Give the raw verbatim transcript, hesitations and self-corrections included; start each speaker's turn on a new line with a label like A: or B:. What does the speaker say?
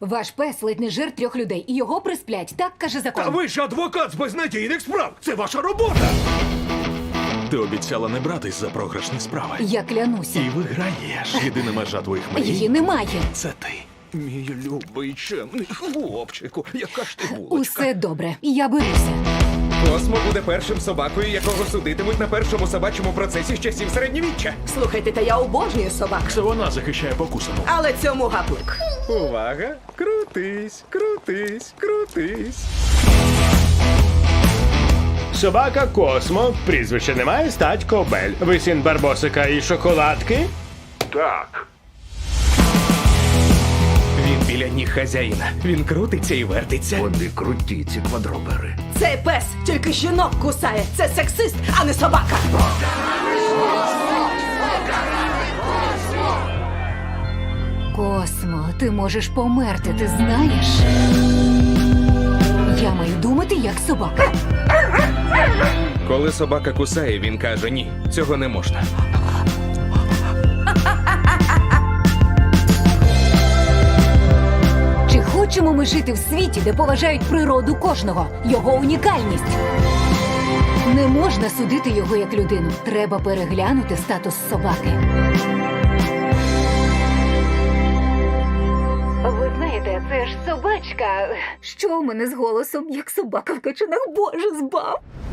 A: Ваш пес ледь не жир трьох людей, і його присплять. Так каже закон.
B: Та ви ж адвокат з безнадійних справ! Це ваша робота!
C: Ти обіцяла не братись за програшні справи.
A: Я клянуся.
C: І виграєш. Єдина межа твоїх мрій
A: Її немає.
C: – це ти.
B: Мій любий чемний хлопчику, яка ж ти булочка.
A: Усе добре. Я беруся.
B: Космо буде першим собакою, якого судитимуть на першому собачому процесі з часів середньовіччя.
D: Слухайте, та я обожнюю собак.
C: Це вона захищає покусану.
D: Але цьому гаплик.
B: Увага! Крутись, крутись, крутись.
E: Собака Космо, прізвище немає, стать Кобель. Ви син Барбосика і шоколадки?
B: Так. Він біля ніг хазяїна. Він крутиться і вертиться.
F: Вони круті, ці квадробери.
D: Цей пес тільки жінок кусає. Це сексист, а не собака.
A: Космо, ти можеш померти, ти знаєш? Я маю думати, як собака.
B: Коли собака кусає, він каже: ні, цього не можна.
A: Чи хочемо ми жити в світі, де поважають природу кожного, його унікальність? Не можна судити його як людину. Треба переглянути статус собаки. Ви знаєте, це ж собачка. Що у мене з голосом, як собака в качанах? Боже, збав!